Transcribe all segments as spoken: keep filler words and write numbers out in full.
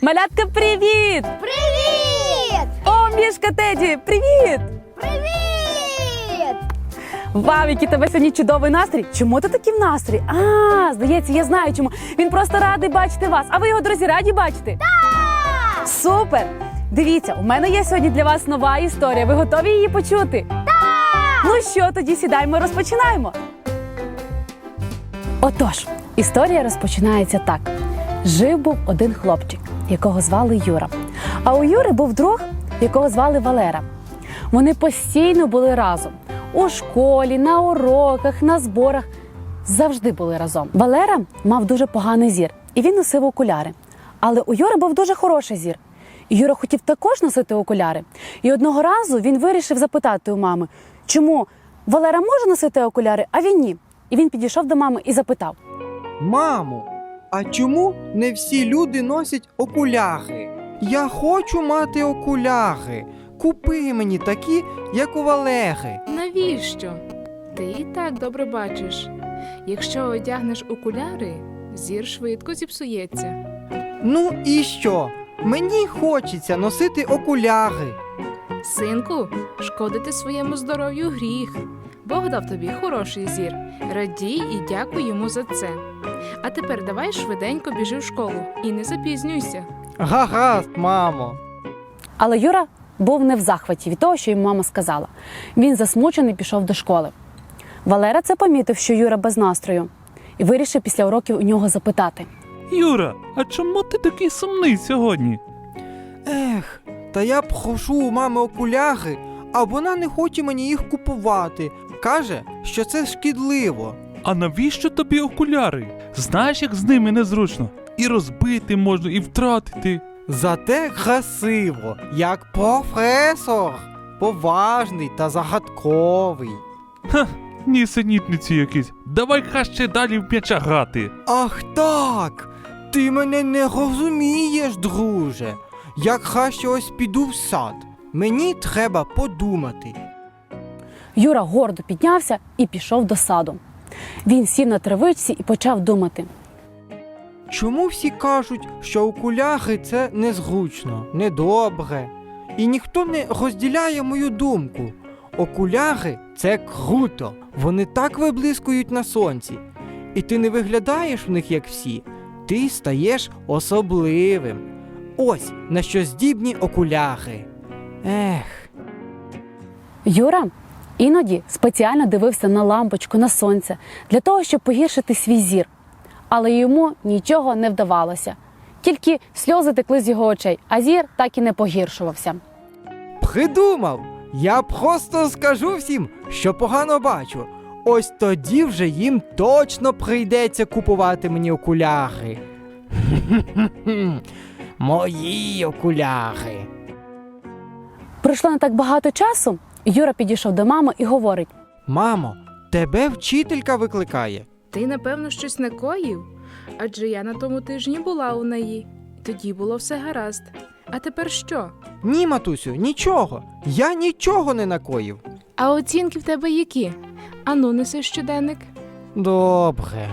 Малятка, привіт! Привіт! О, мішка Теді, привіт! Привіт! Вау, який тебе сьогодні чудовий настрій. Чому ти такий в настрій? А, здається, я знаю чому. Він просто радий бачити вас. А ви його, друзі, раді бачити? Так! Супер! Дивіться, у мене є сьогодні для вас нова історія. Ви готові її почути? Так! Ну що, тоді сідаємо і розпочинаємо. Отож, історія розпочинається так. Жив був один хлопчик, якого звали Юра. А у Юри був друг, якого звали Валера. Вони постійно були разом. У школі, на уроках, на зборах. Завжди були разом. Валера мав дуже поганий зір, і він носив окуляри. Але у Юри був дуже хороший зір. І Юра хотів також носити окуляри. І одного разу він вирішив запитати у мами, чому Валера може носити окуляри, а він ні. І він підійшов до мами і запитав. Мамо, а чому не всі люди носять окуляри? Я хочу мати окуляри. Купи мені такі, як у Валери. Навіщо? Ти і так добре бачиш. Якщо одягнеш окуляри, зір швидко зіпсується. Ну і що? Мені хочеться носити окуляри. Синку, шкодити своєму здоров'ю гріх. Бог дав тобі хороший зір. Радій і дякуй йому за це. А тепер давай швиденько біжи в школу і не запізнюйся. Гаразд, мамо. Але Юра був не в захваті від того, що йому мама сказала. Він засмучений пішов до школи. Валера це помітив, що Юра без настрою, і вирішив після уроків у нього запитати. Юра, а чому ти такий сумний сьогодні? Ех, та я прошу у мами окуляри, а вона не хоче мені їх купувати. Каже, що це шкідливо. А навіщо тобі окуляри? Знаєш, як з ними незручно? І розбити можна, і втратити. Зате красиво, як професор. Поважний та загадковий. Ха, нісенітниці якісь. Давай краще далі в м'яча грати. Ах так! Ти мене не розумієш, друже. Я краще ось піду в сад. Мені треба подумати. Юра гордо піднявся і пішов до саду. Він сів на травичці і почав думати. Чому всі кажуть, що окуляри – це незручно, недобре? І ніхто не розділяє мою думку. Окуляри – це круто. Вони так виблискують на сонці. І ти не виглядаєш в них, як всі. Ти стаєш особливим. Ось на що здібні окуляри. Ех. Юра іноді спеціально дивився на лампочку, на сонце, для того, щоб погіршити свій зір. Але йому нічого не вдавалося. Тільки сльози текли з його очей, а зір так і не погіршувався. Придумав! Я просто скажу всім, що погано бачу. Ось тоді вже їм точно прийдеться купувати мені окуляри. Мої окуляри. Пройшло не так багато часу, Юра підійшов до мами і говорить. Мамо, тебе вчителька викликає. Ти, напевно, щось накоїв? Адже я на тому тижні була у неї. Тоді було все гаразд. А тепер що? Ні, матусю, нічого. Я нічого не накоїв. А оцінки в тебе які? Ану, неси щоденник. Добре.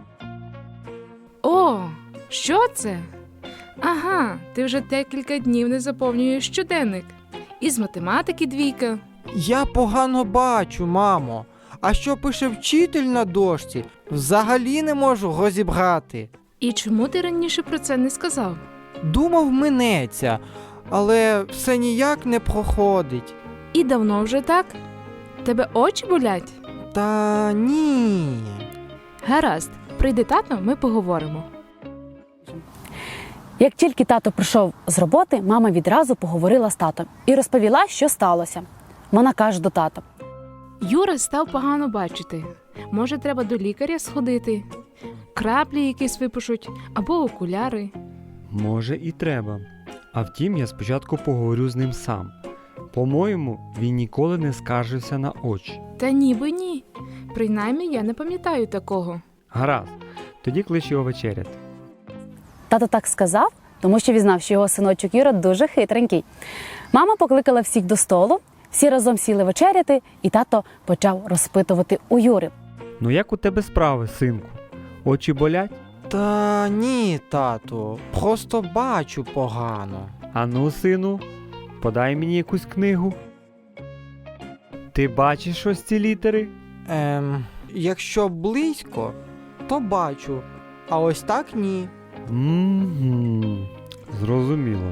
О, що це? Ага, ти вже декілька днів не заповнюєш щоденник. Із математики двійка. Я погано бачу, мамо. А що пише вчитель на дошці, взагалі не можу розібрати. І чому ти раніше про це не сказав? Думав, минеться, але все ніяк не проходить. І давно вже так? Тебе очі болять? Та ні. Гаразд, прийде тато, ми поговоримо. Як тільки тато прийшов з роботи, мама відразу поговорила з татом і розповіла, що сталося. Вона каже до тата. Юра став погано бачити. Може, треба до лікаря сходити? Краплі якісь випишуть або окуляри. Може і треба. А втім, я спочатку поговорю з ним сам. По-моєму, він ніколи не скаржився на очі. Та ніби ні. Принаймні, я не пам'ятаю такого. Гаразд, тоді клич його вечеряти. Тато так сказав, тому що він знав, що його синочок Юра дуже хитренький. Мама покликала всіх до столу, всі разом сіли вечеряти, і тато почав розпитувати у Юри. Ну як у тебе справи, синку? Очі болять? Та ні, тату, просто бачу погано. Ану, сину, подай мені якусь книгу. Ти бачиш ось ці літери? Ем, якщо близько, то бачу, а ось так ні. Мгм, зрозуміло.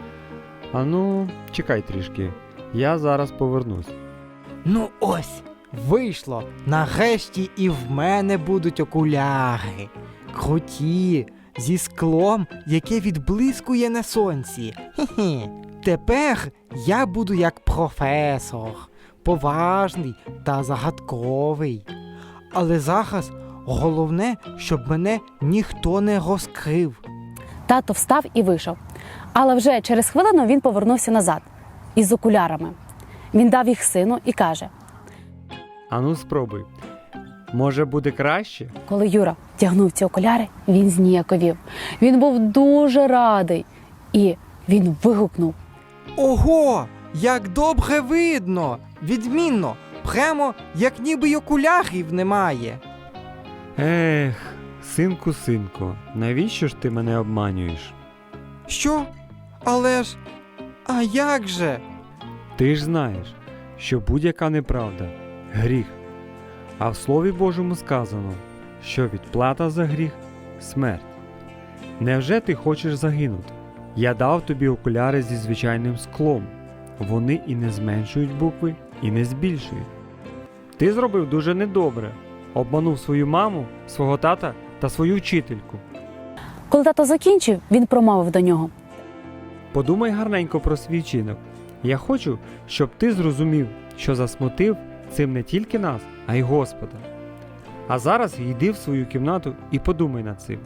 Ану, чекай трішки. Я зараз повернусь. Ну ось, вийшло. Нарешті і в мене будуть окуляри. Круті, зі склом, яке відблискує на сонці. Хе-хе. Тепер я буду як професор, поважний та загадковий. Але зараз головне, щоб мене ніхто не розкрив. Тато встав і вийшов. Але вже через хвилину він повернувся назад із окулярами. Він дав їх сину і каже: Ану, спробуй. Може буде краще? коли Юра тягнув ці окуляри, він зніяковів. Він був дуже радий. І він вигукнув: Ого, як добре видно! Відмінно, прямо як ніби й окулярів немає. Ех, синку, синку, навіщо ж ти мене обманюєш? Що? Але ж. А як же? Ти ж знаєш, що будь-яка неправда – гріх. А в Слові Божому сказано, що відплата за гріх – смерть. Невже ти хочеш загинути? Я дав тобі окуляри зі звичайним склом. Вони і не зменшують букви, і не збільшують. Ти зробив дуже недобре. Обманув свою маму, свого тата та свою вчительку. Коли тато закінчив, він промовив до нього: Подумай гарненько про свій вчинок. Я хочу, щоб ти зрозумів, що засмутив цим не тільки нас, а й Господа. А зараз йди в свою кімнату і подумай над цим.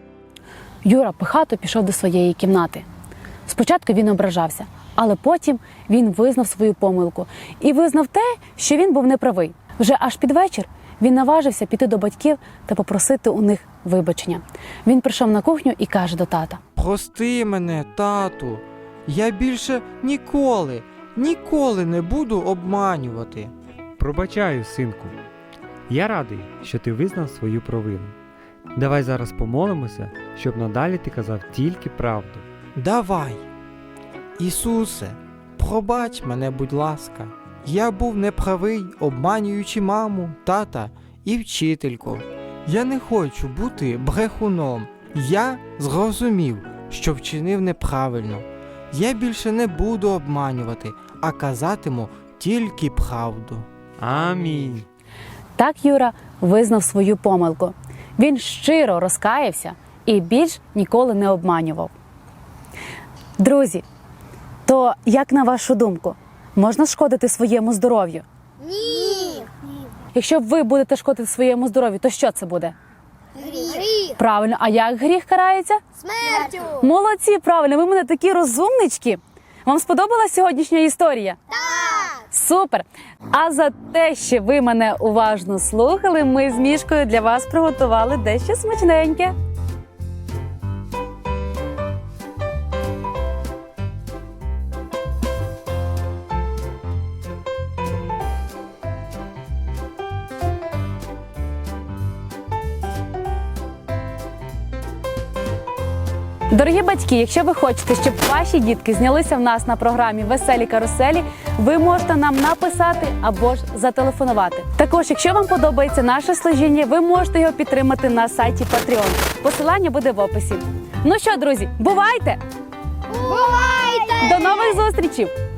Юра пихато пішов до своєї кімнати. Спочатку він ображався, але потім він визнав свою помилку і визнав те, що він був неправий. Вже аж під вечір він наважився піти до батьків та попросити у них вибачення. Він прийшов на кухню і каже до тата: Прости мене, тату. Я більше ніколи, ніколи не буду обманювати. Пробачаю, синку. Я радий, що ти визнав свою провину. Давай зараз помолимося, щоб надалі ти казав тільки правду. Давай. Ісусе, пробач мене, будь ласка. Я був неправий, обманюючи маму, тата і вчительку. Я не хочу бути брехуном. Я зрозумів, що вчинив неправильно. Я більше не буду обманювати, а казатиму тільки правду. Амінь. Так Юра визнав свою помилку. Він щиро розкаявся і більш ніколи не обманював. Друзі, то як на вашу думку, можна шкодити своєму здоров'ю? Ні. Якщо ви будете шкодити своєму здоров'ю, то що це буде? Гріх. Правильно, а як гріх карається? Смертю. Молодці, правильно, ви в мене такі розумнички. Вам сподобалась сьогоднішня історія? Так. Супер! А за те, що ви мене уважно слухали, ми з Мішкою для вас приготували дещо смачненьке. Дорогі батьки, якщо ви хочете, щоб ваші дітки знялися в нас на програмі «Веселі каруселі», ви можете нам написати або ж зателефонувати. Також, якщо вам подобається наше служіння, ви можете його підтримати на сайті Patreon. Посилання буде в описі. Ну що, друзі, бувайте! Бувайте! До нових зустрічей!